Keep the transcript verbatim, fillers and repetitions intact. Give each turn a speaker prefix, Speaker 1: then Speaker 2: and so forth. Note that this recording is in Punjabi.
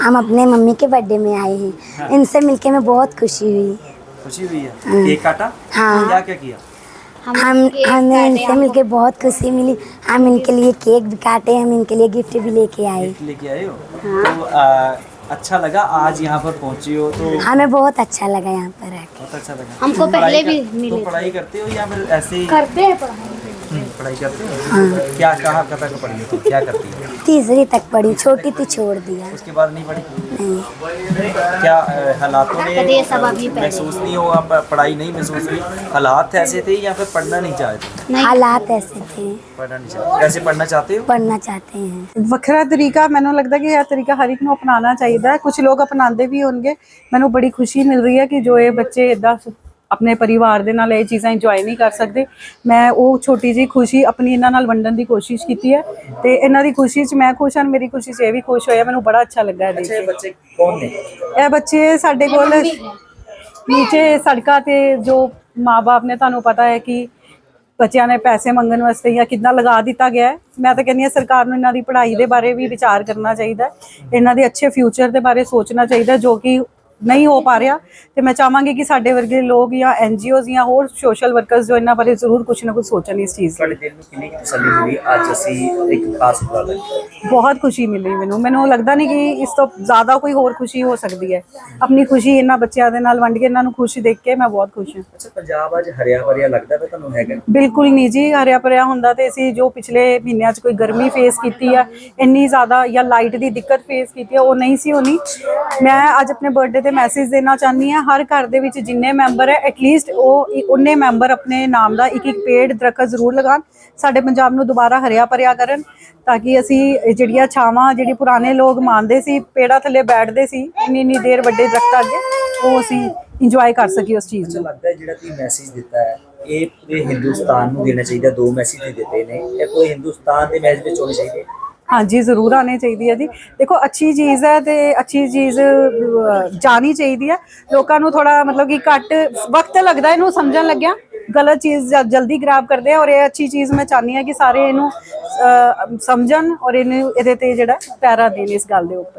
Speaker 1: हम अपने मम्मी के बर्थडे में आए हैं।
Speaker 2: हाँ।
Speaker 1: इनसे मिलके मैं बहुत खुशी हुई।
Speaker 2: खुशी हुई है? केक काटा?
Speaker 1: हाँ।
Speaker 2: क्या क्या किया?
Speaker 1: हम हमें इनसे मिलके बहुत खुशी मिली। हम इनके लिए केक भी काटे, हम इनके लिए गिफ्ट भी लेके आए।
Speaker 2: गिफ्ट लेके आए हो? तो आ, अच्छा लगा आज यहाँ पर पहुँची हो तो?
Speaker 1: हमें बहुत अच्छा लगा यहाँ पर आके।
Speaker 2: बहुत अच्छा लगा।
Speaker 3: हमको
Speaker 2: तुम
Speaker 3: पहले
Speaker 2: पढ़ाई
Speaker 3: भी
Speaker 2: कर-
Speaker 3: मिले
Speaker 2: तुम पढ़ाई करते हो या फिर ऐसे ही?
Speaker 3: करते हैं पढ़ाई।
Speaker 2: हम्म, पढ़ाई करते हो? क्या कहाँ कहाँ तक पढ़ी हो तुम? क्या करती हो?
Speaker 1: तीसरी तक पढ़ी, छोटी थी छोड़ दिया।
Speaker 2: उसके बाद नहीं पढ़ी?
Speaker 1: नहीं।
Speaker 2: क्या अ, हालातों
Speaker 3: करिए
Speaker 2: ने
Speaker 3: सब अभी पहले।
Speaker 2: महसूस नहीं हुआ? प- पढ़ाई नहीं महसूस हुई? हालात ऐसे थे या फिर पढ़ना नहीं चाहते?
Speaker 1: हालात ऐसे थे।
Speaker 2: पढ़ना नहीं चाहते? कैसे पढ़ना चाहते हो?
Speaker 1: पढ़ना चाहते हैं।
Speaker 4: ਵੱਖਰਾ ਤਰੀਕਾ ਮੈਨੂੰ ਲੱਗਦਾ ਕਿ ਇਹ ਤਰੀਕਾ ਹਰ ਇੱਕ ਨੂੰ ਅਪਣਾਉਣਾ ਚਾਹੀਦਾ ਹੈ। ਕੁਝ ਲੋਕ ਅਪਣਾਉਂਦੇ ਵੀ ਹੋਣਗੇ। ਮੈਨੂੰ ਬੜੀ ਖੁਸ਼ੀ ਮਿਲ ਰਹੀ ਹੈ ਕਿ ਜੋ ਇਹ ਬੱਚੇ ਇਦਾਂ ਆਪਣੇ ਪਰਿਵਾਰ ਦੇ ਨਾਲ ਇਹ ਚੀਜ਼ਾਂ ਇੰਜੋਏ ਨਹੀਂ ਕਰ ਸਕਦੇ। ਮੈਂ ਉਹ ਛੋਟੀ ਜਿਹੀ ਖੁਸ਼ੀ ਆਪਣੀ ਇਹਨਾਂ ਨਾਲ ਵੰਡਣ ਦੀ ਕੋਸ਼ਿਸ਼ ਕੀਤੀ ਹੈ ਤੇ ਇਹਨਾਂ ਦੀ ਖੁਸ਼ੀ 'ਚ ਮੈਂ ਖੁਸ਼ ਹਾਂ, ਮੇਰੀ ਖੁਸ਼ੀ 'ਚ ਇਹ ਵੀ ਖੁਸ਼ ਹੋਇਆ। ਮੈਨੂੰ ਬੜਾ ਅੱਛਾ ਲੱਗਾ ਇਹ ਦੇਖ
Speaker 2: ਅੱਛਾ, ਇਹ
Speaker 4: ਕੇ।
Speaker 2: ਬੱਚੇ ਕੌਣ ਨੇ?
Speaker 4: ਇਹ ਬੱਚੇ ਸਾਡੇ ਕੋਲ ਨੀਚੇ ਸੜਕਾਂ ਤੇ ਜੋ ਮਾਂ-ਬਾਪ ਨੇ, ਤੁਹਾਨੂੰ ਪਤਾ ਹੈ ਕਿ ਬੱਚਿਆਂ ਨੇ ਪੈਸੇ ਮੰਗਣ ਵਾਸਤੇ ਜਾਂ ਕਿੱਦਾਂ ਲਗਾ ਦਿੱਤਾ ਗਿਆ ਹੈ। ਮੈਂ ਤਾਂ ਕਹਿੰਦੀ ਹਾਂ ਸਰਕਾਰ ਨੂੰ ਇਹਨਾਂ ਦੀ ਪੜ੍ਹਾਈ ਦੇ ਬਾਰੇ ਵੀ ਵਿਚਾਰ ਕਰਨਾ ਚਾਹੀਦਾ ਹੈ, ਇਹਨਾਂ ਦੇ ਅੱਛੇ ਫਿਊਚਰ ਦੇ ਬਾਰੇ ਸੋਚਣਾ ਚਾਹੀਦਾ ਜੋ ਕਿ ਨਹੀਂ ਹੋ ਪਾ ਰਿਹਾ। ਤੇ ਮੈਂ ਚਾਹਾਂਗੀ ਕਿ ਸਾਡੇ ਵਰਗੇ ਲੋਕ ਜਾਂ ਐਨ ਜੀ ਓਜ਼ ਜਾਂ ਹੋਰ ਸੋਸ਼ਲ ਵਰਕਰਸ ਜੋ ਇਹਨਾਂ ਬਾਰੇ ਜ਼ਰੂਰ ਕੁਝ ਨਾ ਕੁਝ ਸੋਚਣ ਇਸ ਚੀਜ਼ ਦੀ।
Speaker 2: ਤੁਹਾਡੇ ਦਿਲ ਨੂੰ ਕਿੰਨੀ ਕੁ ਤਸੱਲੀ ਹੋਈ ਅੱਜ ਅਸੀਂ ਇੱਕ ਖਾਸ ਉਪਰਾਲਾ ਕੀਤਾ?
Speaker 4: ਬਹੁਤ ਖੁਸ਼ੀ ਮਿਲੀ ਮੈਨੂੰ। ਮੈਨੂੰ ਲੱਗਦਾ ਨਹੀਂ ਕਿ ਇਸ ਤੋਂ ਜ਼ਿਆਦਾ ਕੋਈ ਹੋਰ ਖੁਸ਼ੀ ਹੋ ਸਕਦੀ ਹੈ। ਆਪਣੀ ਖੁਸ਼ੀ ਇਹਨਾਂ ਬੱਚਿਆਂ ਦੇ ਨਾਲ ਵੰਡ ਕੇ ਇਹਨਾਂ ਨੂੰ ਖੁਸ਼ ਦੇਖ ਕੇ ਮੈਂ ਬਹੁਤ ਖੁਸ਼ ਹਾਂ।
Speaker 2: ਅੱਛਾ, ਪੰਜਾਬ ਅੱਜ ਹਰਿਆ ਭਰਿਆ ਲੱਗਦਾ ਪਿਆ ਤੁਹਾਨੂੰ? ਹੈਗਾ?
Speaker 4: ਬਿਲਕੁਲ ਨਹੀਂ ਜੀ, ਹਰਿਆ ਭਰਿਆ ਹੁੰਦਾ ਤੇ ਅਸੀਂ ਜੋ ਪਿਛਲੇ ਮਹੀਨਿਆਂ 'ਚ ਕੋਈ ਗਰਮੀ ਫੇਸ ਕੀਤੀ ਆ, ਇੰਨੀ ਜ਼ਿਆਦਾ ਜਾਂ ਲਾਈਟ ਦੀ ਦਿੱਕਤ ਫੇਸ ਕੀਤੀ ਆ, ਉਹ ਨਹੀਂ ਸੀ ਹੋਣੀ। ਮੈਂ ਅੱਜ ਆਪਣੇ ਬਰਥਡੇ ਤੇ ਮੈਸੇਜ ਦੇਣਾ ਚਾਹੁੰਦੀ ਹਾਂ, ਹਰ ਘਰ ਦੇ ਵਿੱਚ ਜਿੰਨੇ ਮੈਂਬਰ ਹੈ ਐਟਲੀਸਟ ਉਹ ਉਨੇ ਮੈਂਬਰ ਆਪਣੇ ਨਾਮ ਦਾ ਇੱਕ ਇੱਕ ਪੇੜ ਦਰਖਤ ਜ਼ਰੂਰ ਲਗਾਉਣ। ਸਾਡੇ ਪੰਜਾਬ ਨੂੰ ਦੁਬਾਰਾ ਹਰਿਆ ਭਰਿਆ ਕਰਨ ਤਾਂ ਕਿ ਅਸੀਂ ਜਿਹੜੀਆਂ ਛਾਵਾਂ ਜਿਹੜੀ ਪੁਰਾਣੇ ਲੋਕ ਮੰਨਦੇ ਸੀ, ਪੇੜਾਂ ਥੱਲੇ ਬੈਠਦੇ ਸੀ ਇੰਨੀ ਇੰਨੀ ਦੇਰ ਵੱਡੇ ਦਰਖਤਾਂ ਅੱਗੇ, ਉਹ ਅਸੀਂ ਇੰਜੋਏ ਕਰ ਸਕੀਏ ਉਸ ਚੀਜ਼ ਨੂੰ।
Speaker 2: ਲੱਗਦਾ ਹੈ ਜਿਹੜਾ ਤੁਸੀਂ ਮੈਸੇਜ ਦਿੱਤਾ ਹੈ ਇਹ ਪੂਰੇ ਹਿੰਦੁਸਤਾਨ ਨੂੰ ਦੇਣਾ ਚਾਹੀਦਾ। ਦੋ ਮੈਸੇਜ ਦਿੱਤੇ ਨੇ, ਇਹ ਪੂਰੇ ਹਿੰਦੁਸਤਾਨ ਦੇ ਮੈਸੇਜ ਵਿੱਚ ਹੋਣੇ ਚਾਹੀਦੇ।
Speaker 4: ਹਾਂਜੀ ਜ਼ਰੂਰ ਆਉਣੀ ਚਾਹੀਦੀ ਹੈ ਜੀ। ਦੇਖੋ ਅੱਛੀ ਚੀਜ਼ ਹੈ ਤੇ ਅੱਛੀ ਚੀਜ਼ ਜਾਣੀ ਚਾਹੀਦੀ ਹੈ। ਲੋਕਾਂ ਨੂੰ ਥੋੜਾ ਮਤਲਬ ਕਿ ਘੱਟ ਵਕਤ ਲੱਗਦਾ ਇਹਨੂੰ ਸਮਝਣ ਲੱਗਿਆ, ਗਲਤ ਚੀਜ਼ ਜਲਦੀ ਗ੍ਰੈਬ ਕਰਦੇ ਆ। ਔਰ ਇਹ ਅੱਛੀ ਚੀਜ਼ ਮੈਂ ਚਾਹੁੰਦੀ ਹਾਂ ਕਿ ਸਾਰੇ ਇਹਨੂੰ ਸਮਝਣ ਔਰ ਇਹਨੂੰ ਇਹਦੇ ਤੇ ਜਿਹੜਾ ਪੈਰਾ ਦੇਣ ਇਸ ਗੱਲ ਦੇ ਉੱਪਰ।